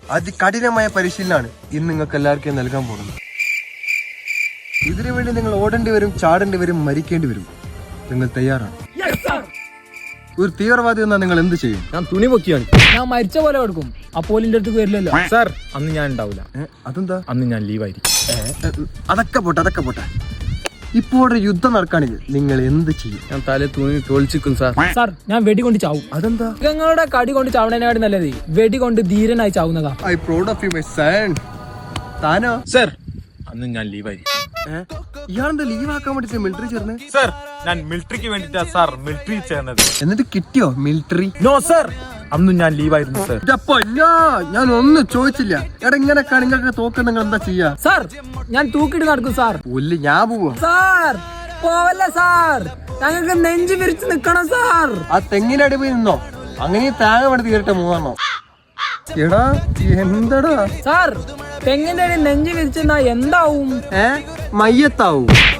അതികഠിനമായ പരിശീലനമാണ് ഇന്ന് നിങ്ങൾക്ക് എല്ലാവർക്കും നൽകാൻ പോകുന്നത്. ഇതിനു വേണ്ടി നിങ്ങൾ ഓടേണ്ടി വരും, ചാടേണ്ടി വരും, മരിക്കേണ്ടി വരും. നിങ്ങൾ തയ്യാറാണ്? ഒരു തീവ്രവാദി എന്നാൽ നിങ്ങൾ എന്ത് ചെയ്യും? ഞാൻ തുണി പൊക്കിയാണ്. ഞാൻ മരിച്ച പോലെ കൊടുക്കും. അപ്പോലിന്റെ അടുത്ത് വരില്ലല്ലോ സാർ. അന്ന് ഞാൻ ഉണ്ടാവില്ല. അതെന്താ? അന്ന് ഞാൻ ലീവായിരിക്കും. അതൊക്കെ പോട്ടെ. ഇപ്പോൾ ഒരു യുദ്ധം നടക്കുകയാണെങ്കിൽ നിങ്ങൾ എന്ത് ചെയ്യും? ഞാൻ തല തുണി തോളിച്ചിക്കും സാർ. സാർ, ഞാൻ വെടി കൊണ്ട് ചാവും. അതെന്താ? മൃഗങ്ങളുടെ കടി കൊണ്ട് ചാവണേനാടി നല്ലത് വെടി കൊണ്ട് ധീരനായി ചാവുന്നതാ. I proud of you my son. താനോ? സാർ, അന്ന് ഞാൻ ലീവായിരിക്കും. ഇയാളെന്താ ലീവ് ആക്കാൻ വേണ്ടിട്ട് മിലിറ്ററി ചേർന്ന്? സാർ, ഞാൻ മിലിറ്ററിക്ക് വേണ്ടിട്ടാ സാർ മിലിറ്ററി ചേർന്നത്. എന്നിട്ട് കിട്ടിയോ മിലിറ്ററി? നോ സാർ, അന്നും ഞാൻ ലീവായിരുന്നു സാർ. ഞാൻ ഒന്നും ചോദിച്ചില്ല. എടാ ഇങ്ങനെയൊക്കെ നിങ്ങൾക്ക് തോക്കാൻ നിങ്ങൾ എന്താ ചെയ്യാ? സാർ, ഞാൻ തൂക്കിട്ട് നടക്കും സാർ. പുല്ല്, ഞാൻ പോവാ. സാർ പോവല്ല സാർ, ഞങ്ങൾക്ക് നെഞ്ചു വിരിച്ച് നിക്കണം സാർ. ആ തെങ്ങിനടി പോയി നിന്നോ, അങ്ങനെ തേങ്ങ വേണ്ടി തീരട്ടെ മൂന്നെണ്ണോ. എടാ എന്താടാ? സാർ, തെങ്ങിന്റെ അടി നെഞ്ചു വിരിച്ചെന്നാ എന്താവും? മയ്യത്താവും.